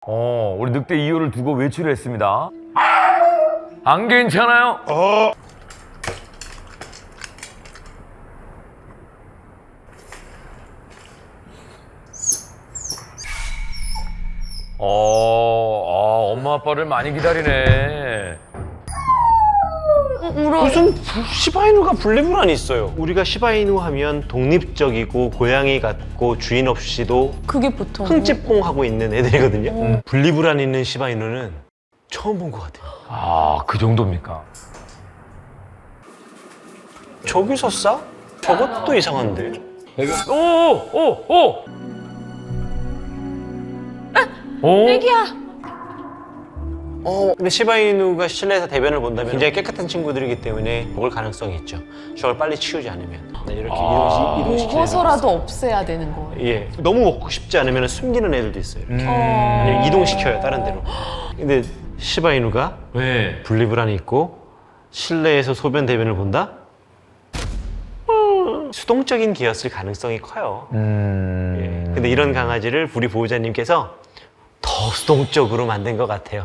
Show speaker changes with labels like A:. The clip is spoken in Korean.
A: 우리 늑대 2호를 두고 외출을 했습니다. 안 괜찮아요? 엄마 아빠를 많이 기다리네.
B: 울어.
C: 무슨 시바이누가 분리불안이 있어요. 우리가 시바이누 하면 독립적이고 고양이 같고 주인 없이도
B: 그게 보통.
C: 흥찌뽕하고 있는 애들이거든요. 분리불안 있는 시바이누는 처음 본 것 같아요.
A: 그 정도입니까?
C: 저기서 싸? 저것도 이상한데?
B: 애기야.
C: 근데 시바이누가 실내에서 대변을 본다면 굉장히 깨끗한 친구들이기 때문에 먹을 가능성이 있죠. 저걸 빨리 치우지 않으면. 네, 이렇게 이동시켜야
B: 먹어서라도 없애야 되는 거예요.
C: 예, 너무 먹고 싶지 않으면 숨기는 애들도 있어요. 이렇게. 아니면 이동시켜요, 다른 데로. 근데 시바이누가
A: 왜?
C: 분리불안이 있고 실내에서 소변 대변을 본다? 수동적인 개였을 가능성이 커요. 예. 근데 이런 강아지를 우리 보호자님께서 더 수동적으로 만든 것 같아요.